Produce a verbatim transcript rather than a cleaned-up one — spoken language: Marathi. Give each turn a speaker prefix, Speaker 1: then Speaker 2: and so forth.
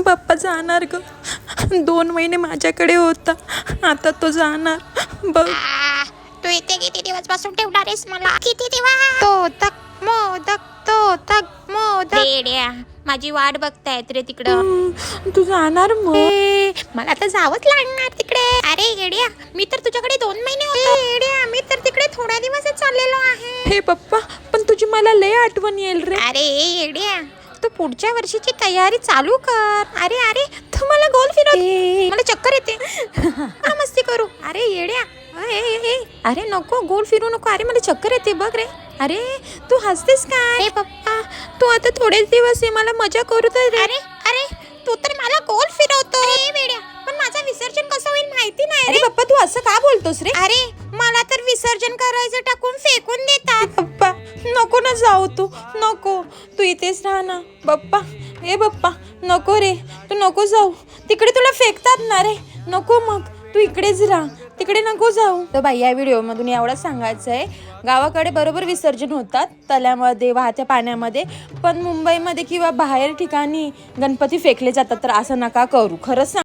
Speaker 1: बाप्पा जाणार ग. दोन महिने माझ्याकडे होता, आता तो जाणार बघ.
Speaker 2: तू इथे किती दिवस बसून ठेवणार आहेस मला? किती दिवस? तो तक मोदक तो तक मोदक. रेड्या, माझी वाट बघतायत रे तिकडं.
Speaker 1: हम्म, तू जाणार मग?
Speaker 2: ए, मला तर जावंच लागणार तिकडे. अरे येड्या, मी तर तुझ्याकडे दोन महिने होतो. येड्या, मी तर तिकडे थोड्या दिवसच चाललेलो आहे.
Speaker 1: हे पप्पा, पण तुझी मला लय आठवण येईल रे.
Speaker 2: अरे येड्या, तू पुढच्या वर्षीची तयारी चालू कर. अरे अरे, तू मला गोल फिरव, मला चक्कर येते. मला मस्ती करू. अरे येड्या, ए, ए, ए. अरे नको, गोल फिरू नको. अरे मला चक्कर येते बघ रे. अरे तू हसतेस काय? अरे पप्पा, तू आता थोडेच दिवस आहे, मला मजा करू दे. अरे अरे, तू तर मला गोल फिरवतो. अरे वेड्या, पण माझं विसर्जन कसं होईल माहिती नाही रे.
Speaker 1: अरे पप्पा, तू असं का बोलतोस रे?
Speaker 2: अरे मला तर विसर्जन करायचं टाकून फेकून देतात.
Speaker 1: पप्पा, नको ना जाऊ तू, नको. तू इथेच राहा ना पप्पा. ए पप्पा, नको रे, तू नको जाऊ. तिकडे तुला फेकतात ना रे. नको, मग तू इकडेच राहा, तिकडे नको जाऊ. तर बाई, या व्हिडिओमधून एवढंच सांगायचं आहे, गावाकडे बरोबर विसर्जन होतात तल्यामध्ये, वाहत्या पाण्यामध्ये, पण मुंबईमध्ये किंवा बाहेर ठिकाणी गणपती फेकले जातात, तर असं नका करू. खरंच सांग.